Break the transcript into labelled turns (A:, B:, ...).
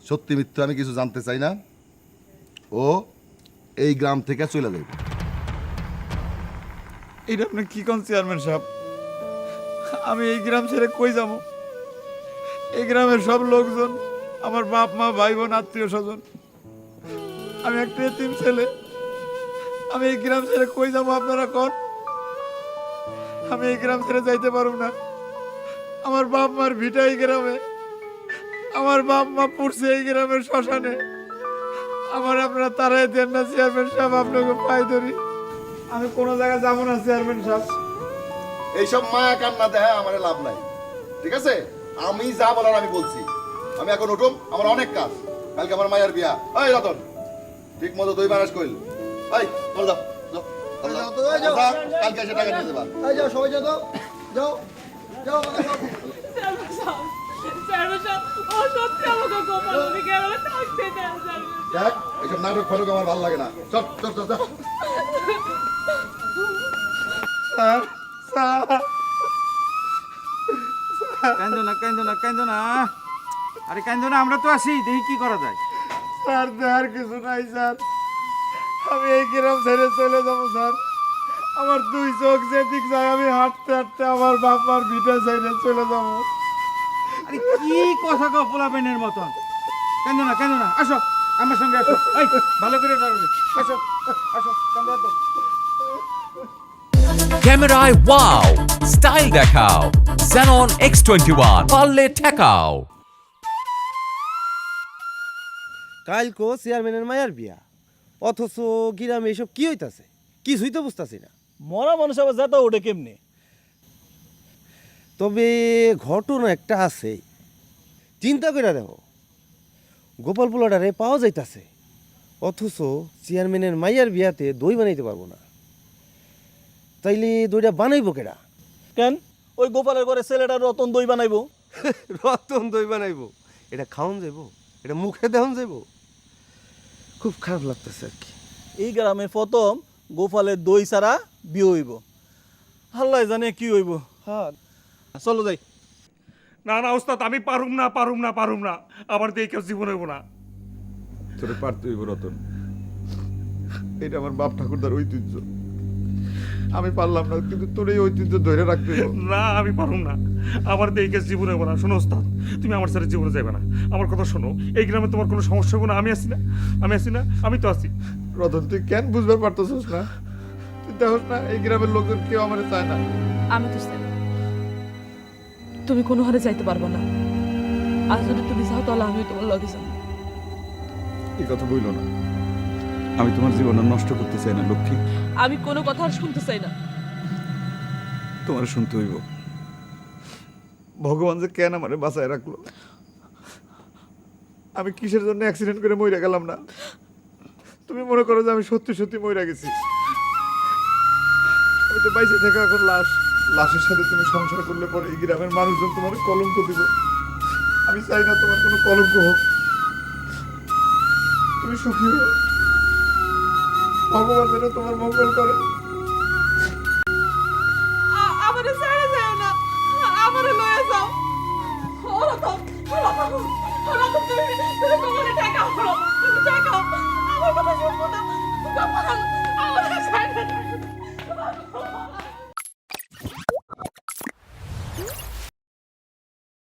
A: সত্যি মিথ্যা আমি কিছু জানতে চাই না। ও এই গ্রাম থেকে চলে যাবে।
B: এটা আপনি কি কোন চেয়ারম্যান সাহেব? আমি এই গ্রাম ছেড়ে কই যাব? এই গ্রামের সব লোকজন আমার বাপ মা ভাই বোন আত্মীয় স্বজন, আমি একটা এতিম ছেলে। আমি এই গ্রাম ছেড়ে কই যাব আপনারা কোন? আমি এই গ্রাম ছেড়ে যাইতে পারব না। আমার বাপ মার ভিটা এই গ্রামে, আমার বাপ মা পড়ছে এই গ্রামের শ্মশানে। আমার আপনারা তারাই দেন না চেয়ারম্যান সাহেব, আপনাকে পাই ধরি। আমি কোনো জায়গায় যাবো না চেয়ারম্যান সাহেব।
A: এইসব মায়া কান্না দেয় আমার লাভ নাই, ঠিক আছে? আমি যা বলার আমি বলছি। আমি এখন উঠুম, আমার অনেক কাজ। কালকে আমার মায়ের বিয়া। এই রতন, ঠিক মতো দই বানাস কইল। এই চল যাও, যাও, কালকে এসে টাকা নিয়ে দেবা।
C: যাও সবাই যাও, যাও যাও যাও।
A: দেখ, এইসব নাটক ফাটক আমার ভালো লাগে না। চল চল চল চল।
B: স্যার, স্যার,
D: কান্দো না কান্দো না কান্দো না, আরে কান্দো না, আমরা তো আছি, দেখি কি করা যায়।
B: স্যার আর কিছু নাই স্যার, আমি এই গ্রাম ছেড়ে চলে যাবো স্যার। আমার দুই চোখ যেদিক যায়, আমি হাঁটতে হাঁটতে আমার বাপ মার ভিটা ছেড়ে চলে যাবো।
D: আরে কি কথা কও পোলাপেনের মতন? কান্দো না, আসো আমার সঙ্গে আসো। এই ভালো করে দাঁড়াবে, আসো আসো, কান্দো তো।
E: ক্যামেরায় ওয়াও, স্টাইল দেখাও। Xenon X21 পারলে ঠেকাও।
C: কালকো চেয়ারম্যানের মায়ের বিয়া, অথচ গ্রামে এসব কি হইতাছে কিছুই তো বুঝতাছি না।
F: মরা মানুষ আবার যেতে ওঠে কেমনে?
C: তবে ঘটনা একটা আছে, চিন্তা করে দেখো। গোপাল পোলাটারে পাওয়া যাইতাছে, অথচ চেয়ারম্যানের মাইয়ার বিয়াতে দই বানাইতে পারবো না। তাইলে দইটা বানাইবো কেডা?
F: কেন ওই গোপালের ঘরে ছেলেটা রতন দই বানাইবো?
C: রতন দই বানাইবো? এটা খাওন যাইবো? এটা মুখে দেওয়ান যাইবো? খুব খারাপ লাগতেছে আর কি।
F: এই গ্রামে প্রথম গোপালের দই ছাড়া বিয়ে হইব। আল্লাহ জানে কি হইব। হ্যাঁ চলো যাই।
B: না না ওস্তাদ, আমি পারুম না। আমার দিয়ে কেউ জীবন হইব না।
G: তোরে পারতে হইব রতন, এটা আমার বাপ ঠাকুরদার ঐতিহ্য। আমি পারলাম না, কিন্তু তোর এই ঐতিহ্য ধরে রাখতে হইব।
B: না আমি পারুম না, আমার দিয়ে কেউ জীবন হইব না। শোনো ওস্তাদ, তুমি আমার সাথে জীবনে যাবে না। আমার কথা শোনো, এই গ্রামে তোমার কোনো সমস্যা হইব না। আমি আছি না, আমি তো আছি।
G: রতন তুই কেন বুঝবার পারতেছিস না? তুই দেখোস না এই গ্রামের লোকজন কেউ আমার চায় না।
H: আমি তো চাই, তুমি কোনো হারে যাইতে পারবো না। আর যদি তুমি যাও তাহলে আমি তোমার লগে যাবো।
G: এই কথা বইল না, আমি তোমার জীবন আর নষ্ট করতে চাই না লক্ষ্মী।
H: আমি কোনো কথা আর শুনতে চাই না।
G: তোমার শুনতে হইব। ভগবান যে কেন আমারে বাঁচায় রাখলো। আমি কিসের জন্য অ্যাক্সিডেন্ট করে মইরা গেলাম না? তুমি মনে করো যে আমি সত্যি সত্যি মইরা গেছি? আমি তো বাইসে থাকা এখন লাশের সাথে তুমি সংসার করলে পরে এই গ্রামের মানুষজন তোমার কলঙ্ক দিব। আমি চাই না তোমার কোনো কলঙ্ক হোক। তুমি সুখী হও, ভগবান যেন তোমার মঙ্গল করে।
H: আমারে ছেড়ে যাও না, আমারে লয়ে যাও। ওরা তো তুমি কোমরে টাকা আমার কথা শুনবো না।